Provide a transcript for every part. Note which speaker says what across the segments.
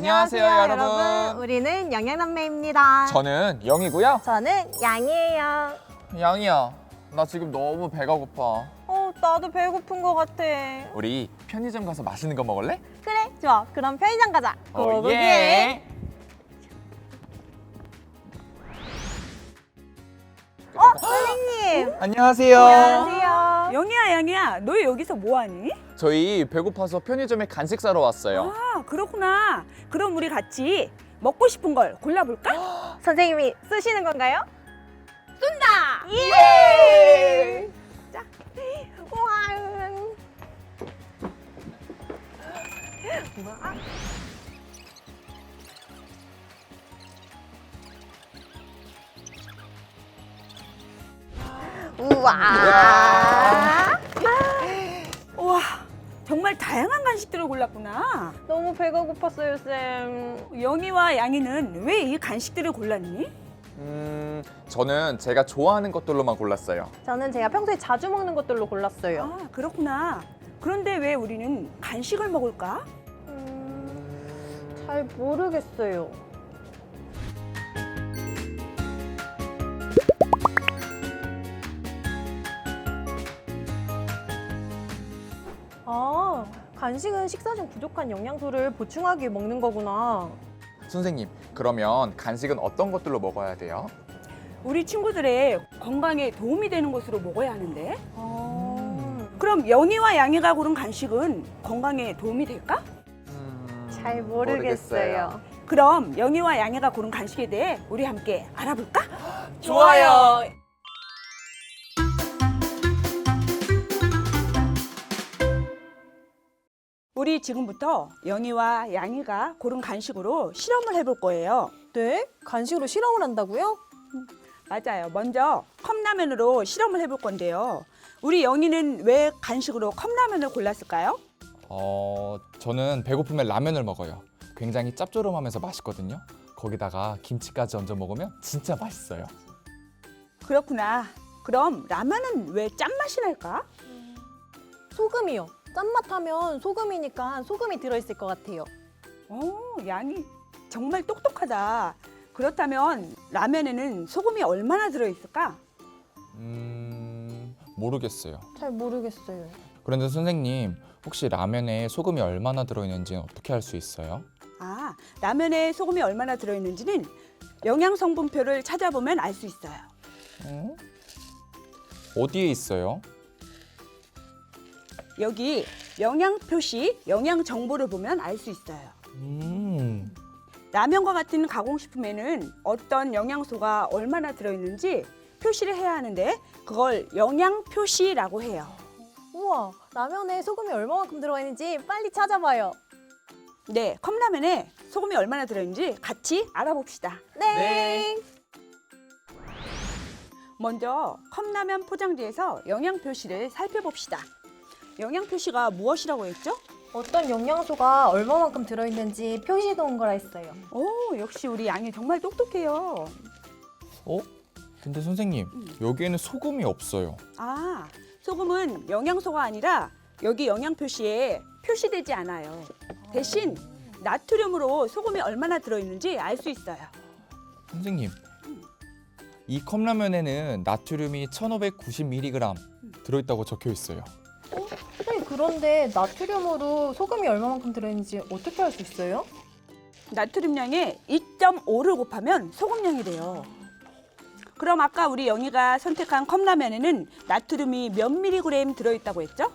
Speaker 1: 안녕하세요, 여러분.
Speaker 2: 우리는 영양남매입니다.
Speaker 1: 저는 영이고요.
Speaker 2: 저는 양이에요.
Speaker 1: 양이야, 나 지금 너무 배가 고파.
Speaker 2: 나도 배고픈 것 같아.
Speaker 1: 우리 편의점 가서 맛있는 거 먹을래?
Speaker 2: 그래, 좋아. 그럼 편의점 가자.
Speaker 1: 예.
Speaker 2: 선생님.
Speaker 1: 안녕하세요.
Speaker 2: 안녕하세요.
Speaker 3: 영희야, 너 여기서 뭐하니?
Speaker 1: 저희 배고파서 편의점에 간식 사러 왔어요.
Speaker 3: 아, 그렇구나. 그럼 우리 같이 먹고 싶은 걸 골라볼까?
Speaker 2: 선생님이 쓰시는 건가요?
Speaker 3: 쏜다!
Speaker 2: 예!
Speaker 3: 자.
Speaker 2: 우와. 우와.
Speaker 3: 우와, 정말 다양한 간식들을 골랐구나.
Speaker 2: 너무 배가 고팠어요, 쌤.
Speaker 3: 영희와 양희는 왜 이 간식들을 골랐니?
Speaker 1: 저는 제가 좋아하는 것들로만 골랐어요.
Speaker 2: 저는 제가 평소에 자주 먹는 것들로 골랐어요.
Speaker 3: 아, 그렇구나. 그런데 왜 우리는 간식을 먹을까?
Speaker 2: 잘 모르겠어요. 간식은 식사 중 부족한 영양소를 보충하기 위해 먹는 거구나.
Speaker 1: 선생님, 그러면 간식은 어떤 것들로 먹어야 돼요?
Speaker 3: 우리 친구들의 건강에 도움이 되는 것으로 먹어야 하는데.
Speaker 2: 아,
Speaker 3: 그럼 영희와 양희가 고른 간식은 건강에 도움이 될까?
Speaker 2: 잘 모르겠어요.
Speaker 3: 그럼 영희와 양희가 고른 간식에 대해 우리 함께 알아볼까?
Speaker 1: 좋아요.
Speaker 3: 우리 지금부터 영희와 양희가 고른 간식으로 실험을 해볼 거예요.
Speaker 2: 네? 간식으로 실험을 한다고요?
Speaker 3: 맞아요. 먼저 컵라면으로 실험을 해볼 건데요. 우리 영희는 왜 간식으로 컵라면을 골랐을까요?
Speaker 1: 저는 배고프면 라면을 먹어요. 굉장히 짭조름하면서 맛있거든요. 거기다가 김치까지 얹어 먹으면 진짜 맛있어요.
Speaker 3: 그렇구나. 그럼 라면은 왜 짠맛이 날까?
Speaker 2: 소금이요. 짠맛 하면 소금이니까 소금이 들어있을 것 같아요.
Speaker 3: 양이 정말 똑똑하다. 그렇다면 라면에는 소금이 얼마나 들어있을까?
Speaker 1: 모르겠어요.
Speaker 2: 잘 모르겠어요.
Speaker 1: 그런데 선생님, 혹시 라면에 소금이 얼마나 들어있는지 어떻게 알 수 있어요?
Speaker 3: 아, 라면에 소금이 얼마나 들어있는지는 영양 성분표를 찾아보면 알 수 있어요.
Speaker 1: 어디에 있어요?
Speaker 3: 여기 영양 표시, 영양 정보를 보면 알 수 있어요. 라면과 같은 가공식품에는 어떤 영양소가 얼마나 들어있는지 표시를 해야 하는데 그걸 영양 표시라고 해요.
Speaker 2: 우와, 라면에 소금이 얼마만큼 들어가 있는지 빨리 찾아봐요.
Speaker 3: 네, 컵라면에 소금이 얼마나 들어있는지 같이 알아봅시다.
Speaker 2: 네.
Speaker 3: 먼저 컵라면 포장지에서 영양 표시를 살펴봅시다. 영양 표시가 무엇이라고 했죠?
Speaker 2: 어떤 영양소가 얼마만큼 들어있는지 표시해 놓은 거라 했어요.
Speaker 3: 오, 역시 우리 양이 정말 똑똑해요.
Speaker 1: 근데 선생님, 여기에는 소금이 없어요.
Speaker 3: 아, 소금은 영양소가 아니라 여기 영양 표시에 표시되지 않아요. 대신 나트륨으로 소금이 얼마나 들어있는지 알 수 있어요.
Speaker 1: 선생님, 이 컵라면에는 나트륨이 1590mg 들어있다고 적혀 있어요.
Speaker 2: 선생님, 그런데 나트륨으로 소금이 얼마만큼 들어있는지 어떻게 알 수 있어요?
Speaker 3: 나트륨량의 2.5를 곱하면 소금량이 돼요. 그럼 아까 우리 영희가 선택한 컵라면에는 나트륨이 몇 미리그램 들어있다고 했죠?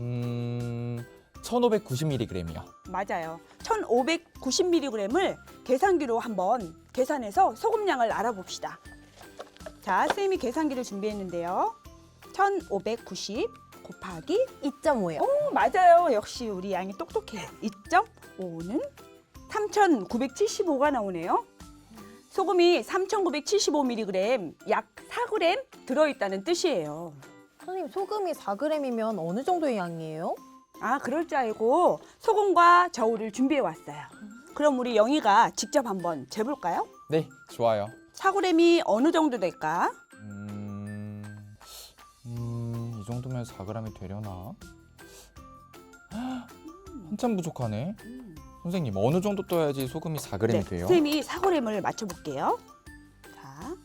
Speaker 1: 1590mg이요.
Speaker 3: 맞아요. 1590mg을 계산기로 한번 계산해서 소금량을 알아봅시다. 자, 선생님이 계산기를 준비했는데요. 1590 곱하기
Speaker 2: 2.5요.
Speaker 3: 오, 맞아요. 역시 우리 양이 똑똑해요. 2.5는 3975가 나오네요. 소금이 3975mg, 약 4g 들어있다는 뜻이에요.
Speaker 2: 선생님, 소금이 4g이면 어느 정도의 양이에요?
Speaker 3: 아, 그럴 줄 알고 소금과 저울을 준비해 왔어요. 그럼 우리 영희가 직접 한번 재볼까요?
Speaker 1: 네, 좋아요.
Speaker 3: 4g이 어느 정도 될까?
Speaker 1: 이 정도면 4g이 되려나? 한참 부족하네. 선생님 어느 정도 떠야지 소금이 4g이 돼요?
Speaker 3: 선생님이 사고램을 맞춰볼게요. 자,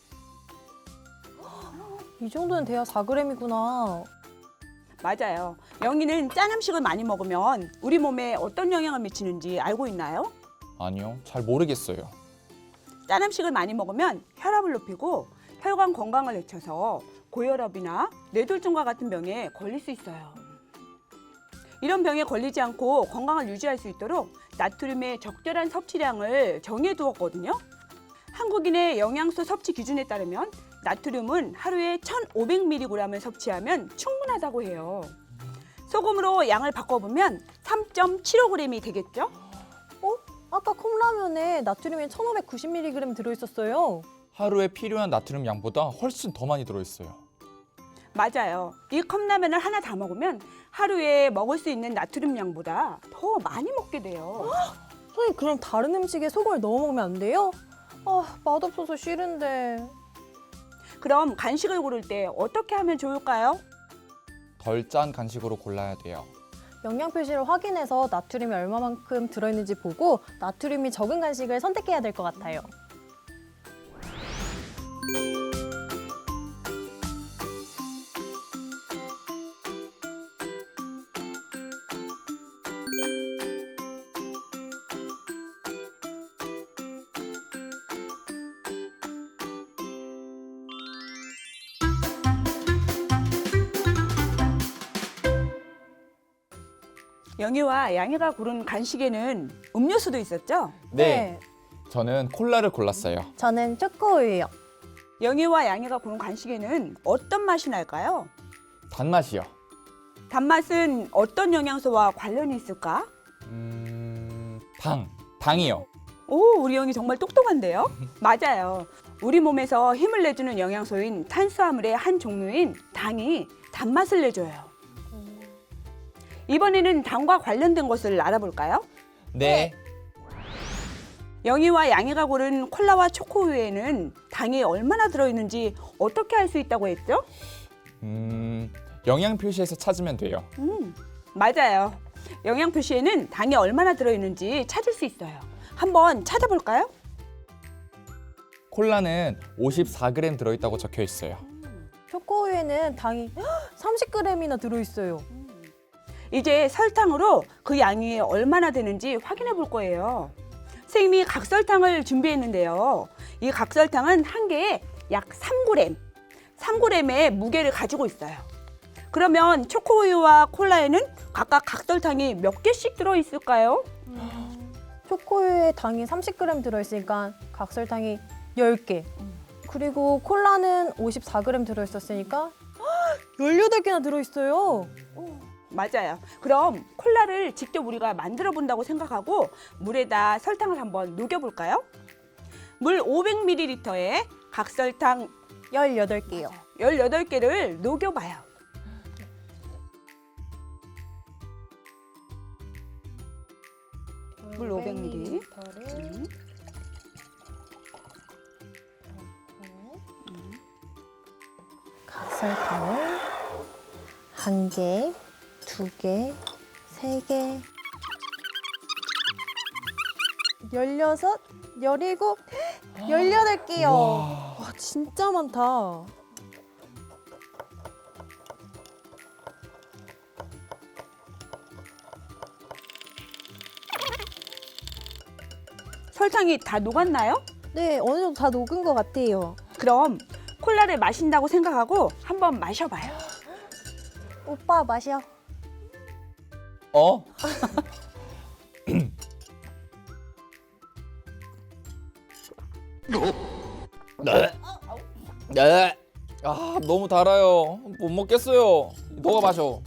Speaker 2: 이 정도는 돼야 4g이구나.
Speaker 3: 맞아요. 영희는 짠 음식을 많이 먹으면 우리 몸에 어떤 영향을 미치는지 알고 있나요?
Speaker 1: 아니요, 잘 모르겠어요.
Speaker 3: 짠 음식을 많이 먹으면 혈압을 높이고 혈관 건강을 해쳐서 고혈압이나 뇌졸중과 같은 병에 걸릴 수 있어요. 이런 병에 걸리지 않고 건강을 유지할 수 있도록 나트륨의 적절한 섭취량을 정해 두었거든요. 한국인의 영양소 섭취 기준에 따르면 나트륨은 하루에 1,500mg을 섭취하면 충분하다고 해요. 소금으로 양을 바꿔보면 3.75g이 되겠죠?
Speaker 2: 아까 컵라면에 나트륨이 1590mg 들어있었어요.
Speaker 1: 하루에 필요한 나트륨 양보다 훨씬 더 많이 들어있어요.
Speaker 3: 맞아요. 이 컵라면을 하나 다 먹으면 하루에 먹을 수 있는 나트륨 양보다 더 많이 먹게 돼요.
Speaker 2: 선생님, 그럼 다른 음식에 소금을 넣어 먹으면 안 돼요? 맛없어서 싫은데.
Speaker 3: 그럼 간식을 고를 때 어떻게 하면 좋을까요?
Speaker 1: 덜 짠 간식으로 골라야 돼요.
Speaker 2: 영양 표시를 확인해서 나트륨이 얼마만큼 들어있는지 보고 나트륨이 적은 간식을 선택해야 될 것 같아요.
Speaker 3: 영희와 양희가 고른 간식에는 음료수도 있었죠?
Speaker 1: 네, 저는 콜라를 골랐어요.
Speaker 2: 저는 초코우유요.
Speaker 3: 영희와 양희가 고른 간식에는 어떤 맛이 날까요?
Speaker 1: 단맛이요.
Speaker 3: 단맛은 어떤 영양소와 관련이 있을까?
Speaker 1: 당이요.
Speaker 3: 오, 우리 영희 정말 똑똑한데요? 맞아요. 우리 몸에서 힘을 내주는 영양소인 탄수화물의 한 종류인 당이 단맛을 내줘요. 이번에는 당과 관련된 것을 알아볼까요?
Speaker 1: 네.
Speaker 3: 영희와 양희가 고른 콜라와 초코우유에는 당이 얼마나 들어있는지 어떻게 알 수 있다고 했죠?
Speaker 1: 영양 표시에서 찾으면 돼요.
Speaker 3: 맞아요. 영양 표시에는 당이 얼마나 들어있는지 찾을 수 있어요. 한번 찾아볼까요?
Speaker 1: 콜라는 54g 들어있다고 적혀 있어요.
Speaker 2: 초코우유에는 당이 30g이나 들어있어요.
Speaker 3: 이제 설탕으로 그 양이 얼마나 되는지 확인해 볼 거예요. 선생님이 각설탕을 준비했는데요. 이 각설탕은 한 개에 약 3g, 3g의 무게를 가지고 있어요. 그러면 초코우유와 콜라에는 각각 각설탕이 몇 개씩 들어있을까요?
Speaker 2: 초코우유에 당이 30g 들어있으니까 각설탕이 10개. 그리고 콜라는 54g 들어있었으니까 18개나 들어있어요.
Speaker 3: 맞아요. 그럼 콜라를 직접 우리가 만들어 본다고 생각하고 물에다 설탕을 한번 녹여볼까요? 물 500ml에 각설탕
Speaker 2: 18개요.
Speaker 3: 18개를 녹여봐요. 물 500ml.
Speaker 2: 각설탕을 1개, 2개, 3개, 16, 17, 18개요. 와, 진짜 많다.
Speaker 3: 설탕이 다 녹았나요?
Speaker 2: 네, 어느 정도 다 녹은 것 같아요.
Speaker 3: 그럼 콜라를 마신다고 생각하고 한번 마셔봐요.
Speaker 2: 오빠 마셔.
Speaker 1: 어? 네. 네. 너무 달아요. 못 먹겠어요. 너가 마셔.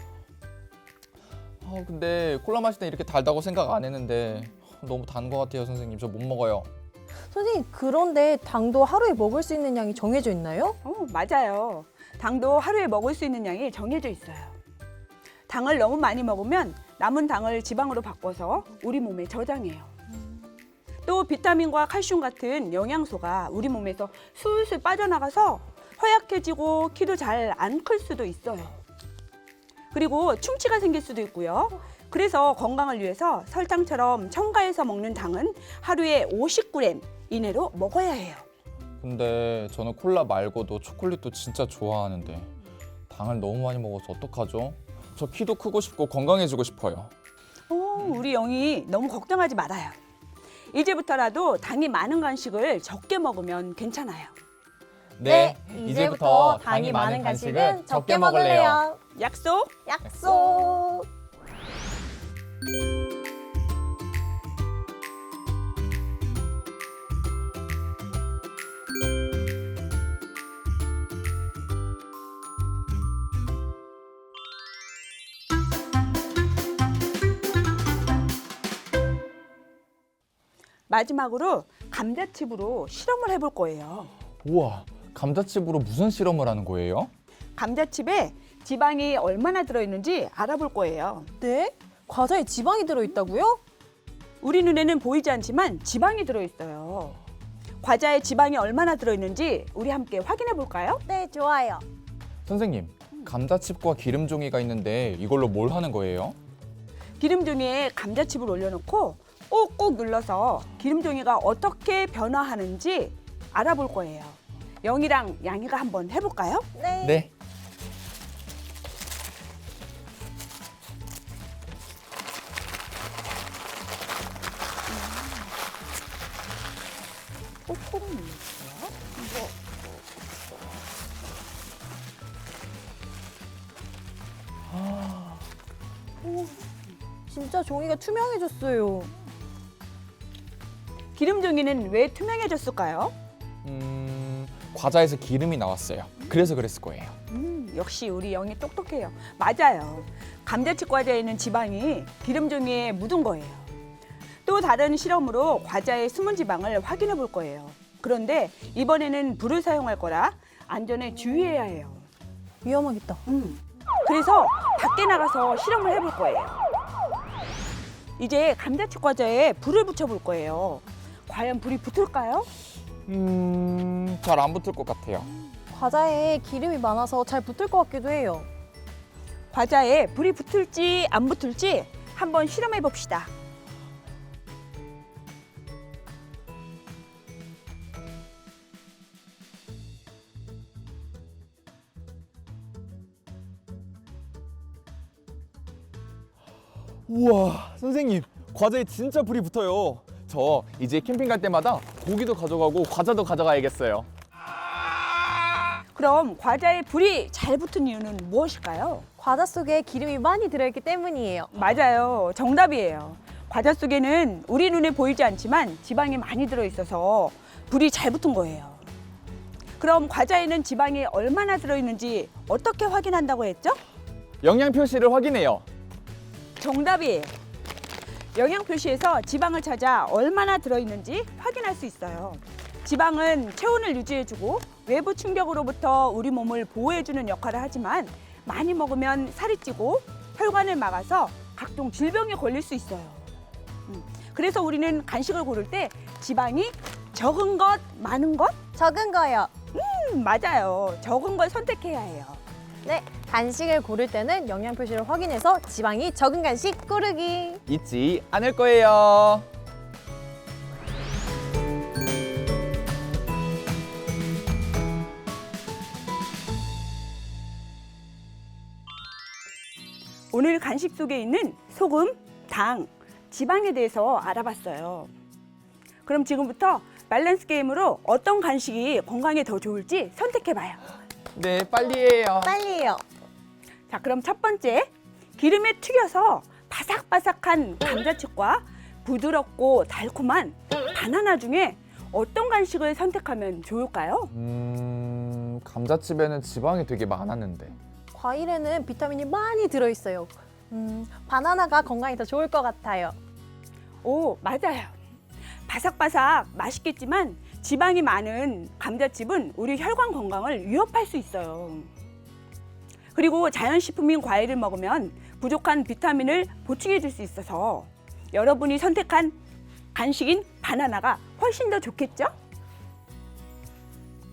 Speaker 1: 근데 콜라 마실 때 이렇게 달다고 생각 안 했는데 너무 단 것 같아요, 선생님. 저 못 먹어요.
Speaker 2: 선생님, 그런데 당도 하루에 먹을 수 있는 양이 정해져 있나요?
Speaker 3: 맞아요. 당도 하루에 먹을 수 있는 양이 정해져 있어요. 당을 너무 많이 먹으면 남은 당을 지방으로 바꿔서 우리 몸에 저장해요. 또 비타민과 칼슘 같은 영양소가 우리 몸에서 술술 빠져나가서 허약해지고 키도 잘 안 클 수도 있어요. 그리고 충치가 생길 수도 있고요. 그래서 건강을 위해서 설탕처럼 첨가해서 먹는 당은 하루에 50g 이내로 먹어야 해요.
Speaker 1: 근데 저는 콜라 말고도 초콜릿도 진짜 좋아하는데 당을 너무 많이 먹어서 어떡하죠? 저 키도 크고 싶고 건강해지고 싶어요.
Speaker 3: 우리 영희 너무 걱정하지 말아요. 이제부터라도 당이 많은 간식을 적게 먹으면 괜찮아요.
Speaker 1: 네, 이제부터 당이 많은 간식은 적게 먹을래요.
Speaker 3: 약속?
Speaker 2: 약속.
Speaker 3: 마지막으로 감자칩으로 실험을 해볼 거예요.
Speaker 1: 우와, 감자칩으로 무슨 실험을 하는 거예요?
Speaker 3: 감자칩에 지방이 얼마나 들어있는지 알아볼 거예요.
Speaker 2: 네? 과자에 지방이 들어있다고요?
Speaker 3: 우리 눈에는 보이지 않지만 지방이 들어있어요. 과자에 지방이 얼마나 들어있는지 우리 함께 확인해 볼까요?
Speaker 2: 네, 좋아요.
Speaker 1: 선생님, 감자칩과 기름 종이가 있는데 이걸로 뭘 하는 거예요?
Speaker 3: 기름 종이에 감자칩을 올려놓고 꾹꾹 눌러서 기름 종이가 어떻게 변화하는지 알아볼 거예요. 영이랑 양이가 한번 해볼까요?
Speaker 2: 네.
Speaker 1: 네.
Speaker 3: 꾹꾹 눌러주세요.
Speaker 2: 진짜 종이가 투명해졌어요.
Speaker 3: 기름 종이는 왜 투명해졌을까요?
Speaker 1: 과자에서 기름이 나왔어요. 그래서 그랬을 거예요.
Speaker 3: 역시 우리 영이 똑똑해요. 맞아요. 감자칩 과자에 있는 지방이 기름 종이에 묻은 거예요. 또 다른 실험으로 과자의 숨은 지방을 확인해 볼 거예요. 그런데 이번에는 불을 사용할 거라 안전에 주의해야 해요.
Speaker 2: 위험하겠다.
Speaker 3: 그래서 밖에 나가서 실험을 해볼 거예요. 이제 감자칩 과자에 불을 붙여볼 거예요. 과연 불이 붙을까요?
Speaker 1: 잘 안 붙을 것 같아요.
Speaker 2: 과자에 기름이 많아서 잘 붙을 것 같기도 해요.
Speaker 3: 과자에 불이 붙을지 안 붙을지 한번 실험해 봅시다.
Speaker 1: 우와, 선생님, 과자에 진짜 불이 붙어요. 저 이제 캠핑 갈 때마다 고기도 가져가고 과자도 가져가야겠어요.
Speaker 3: 그럼 과자에 불이 잘 붙은 이유는 무엇일까요?
Speaker 2: 과자 속에 기름이 많이 들어있기 때문이에요.
Speaker 3: 맞아요. 정답이에요. 과자 속에는 우리 눈에 보이지 않지만 지방이 많이 들어있어서 불이 잘 붙은 거예요. 그럼 과자에는 지방이 얼마나 들어있는지 어떻게 확인한다고 했죠?
Speaker 1: 영양 표시를 확인해요.
Speaker 3: 정답이에요. 영양 표시에서 지방을 찾아 얼마나 들어있는지 확인할 수 있어요. 지방은 체온을 유지해주고 외부 충격으로부터 우리 몸을 보호해주는 역할을 하지만 많이 먹으면 살이 찌고 혈관을 막아서 각종 질병에 걸릴 수 있어요. 그래서 우리는 간식을 고를 때 지방이 적은 것, 많은 것?
Speaker 2: 적은 거요.
Speaker 3: 맞아요. 적은 걸 선택해야 해요.
Speaker 2: 네, 간식을 고를 때는 영양 표시를 확인해서 지방이 적은 간식 고르기.
Speaker 1: 잊지 않을 거예요.
Speaker 3: 오늘 간식 속에 있는 소금, 당, 지방에 대해서 알아봤어요. 그럼 지금부터 밸런스 게임으로 어떤 간식이 건강에 더 좋을지 선택해봐요.
Speaker 1: 네, 빨리 해요.
Speaker 2: 빨리요.
Speaker 3: 자, 그럼 첫 번째, 기름에 튀겨서 바삭바삭한 감자칩과 부드럽고 달콤한 바나나 중에 어떤 간식을 선택하면 좋을까요?
Speaker 1: 감자칩에는 지방이 되게 많았는데.
Speaker 2: 과일에는 비타민이 많이 들어있어요. 바나나가 건강에 더 좋을 것 같아요.
Speaker 3: 오, 맞아요. 바삭바삭 맛있겠지만 지방이 많은 감자칩은 우리 혈관 건강을 위협할 수 있어요. 그리고 자연식품인 과일을 먹으면 부족한 비타민을 보충해 줄 수 있어서 여러분이 선택한 간식인 바나나가 훨씬 더 좋겠죠?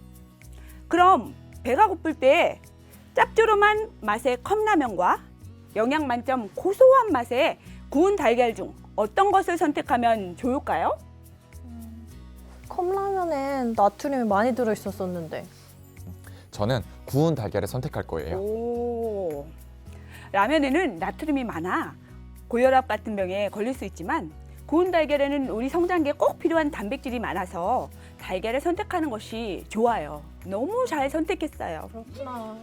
Speaker 3: 그럼 배가 고플 때 짭조름한 맛의 컵라면과 영양 만점 고소한 맛의 구운 달걀 중 어떤 것을 선택하면 좋을까요?
Speaker 2: 컵라면엔 나트륨이 많이 들어있었었는데.
Speaker 1: 저는 구운 달걀을 선택할 거예요.
Speaker 3: 오, 라면에는 나트륨이 많아 고혈압 같은 병에 걸릴 수 있지만 구운 달걀에는 우리 성장기에 꼭 필요한 단백질이 많아서 달걀을 선택하는 것이 좋아요. 너무 잘 선택했어요.
Speaker 2: 그렇구나.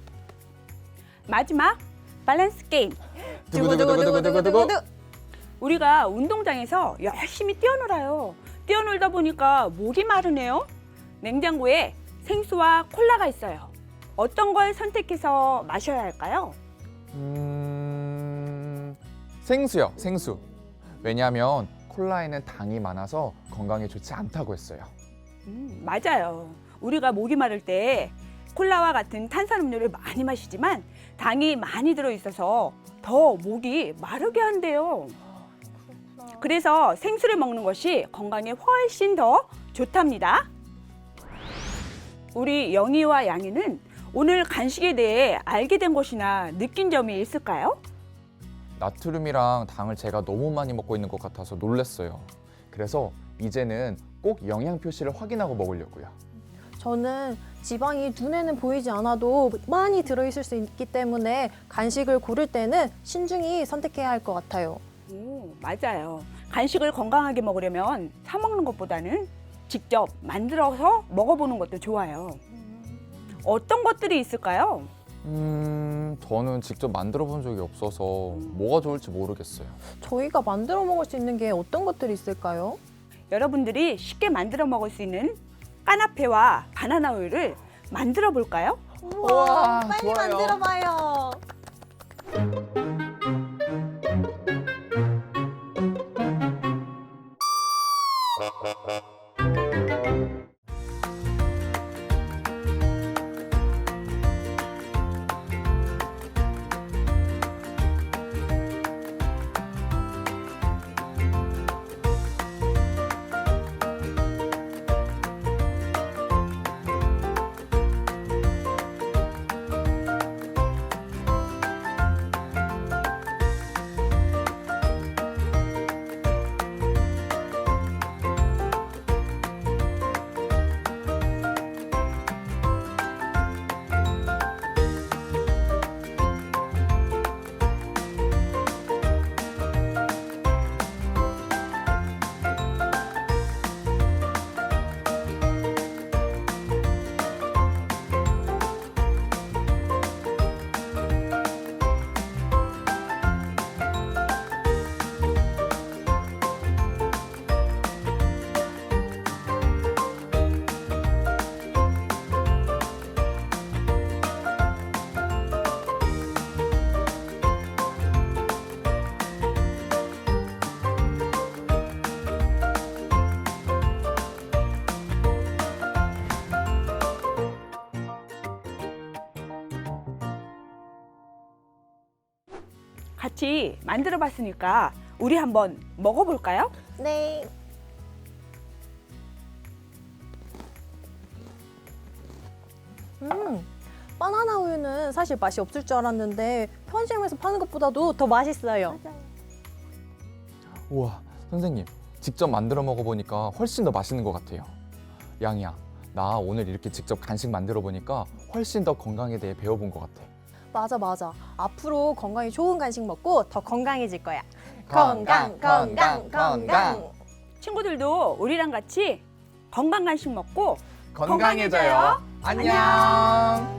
Speaker 3: 마지막 밸런스 게임.
Speaker 1: 두구두구두구두구두구.
Speaker 3: 우리가 운동장에서 열심히 뛰어놀아요. 뛰어놀다 보니까 목이 마르네요. 냉장고에 생수와 콜라가 있어요. 어떤 걸 선택해서 마셔야 할까요?
Speaker 1: 생수요, 생수. 왜냐하면 콜라에는 당이 많아서 건강에 좋지 않다고 했어요.
Speaker 3: 맞아요. 우리가 목이 마를 때 콜라와 같은 탄산음료를 많이 마시지만 당이 많이 들어있어서 더 목이 마르게 한대요. 그래서 생수를 먹는 것이 건강에 훨씬 더 좋답니다. 우리 영희와 양희는 오늘 간식에 대해 알게 된 것이나 느낀 점이 있을까요?
Speaker 1: 나트륨이랑 당을 제가 너무 많이 먹고 있는 것 같아서 놀랐어요. 그래서 이제는 꼭 영양 표시를 확인하고 먹으려고요.
Speaker 2: 저는 지방이 눈에는 보이지 않아도 많이 들어있을 수 있기 때문에 간식을 고를 때는 신중히 선택해야 할 것 같아요.
Speaker 3: 맞아요. 간식을 건강하게 먹으려면 사 먹는 것보다는 직접 만들어서 먹어보는 것도 좋아요. 어떤 것들이 있을까요?
Speaker 1: 저는 직접 만들어 본 적이 없어서 뭐가 좋을지 모르겠어요.
Speaker 2: 저희가 만들어 먹을 수 있는 게 어떤 것들이 있을까요?
Speaker 3: 여러분들이 쉽게 만들어 먹을 수 있는 까나페와 바나나 우유를 만들어 볼까요?
Speaker 1: 우와,
Speaker 2: 빨리
Speaker 1: 좋아요.
Speaker 2: 만들어봐요.
Speaker 3: 같이 만들어 봤으니까 우리 한번 먹어볼까요?
Speaker 2: 네. 바나나 우유는 사실 맛이 없을 줄 알았는데 편의점에서 파는 것보다도 더 맛있어요.
Speaker 1: 우와, 선생님, 직접 만들어 먹어보니까 훨씬 더 맛있는 것 같아요. 양이야, 나 오늘 이렇게 직접 간식 만들어 보니까 훨씬 더 건강에 대해 배워본 것 같아.
Speaker 2: 맞아. 앞으로 건강에 좋은 간식 먹고 더 건강해질 거야.
Speaker 1: 건강.
Speaker 3: 친구들도 우리랑 같이 건강 간식 먹고
Speaker 1: 건강해져요. 안녕.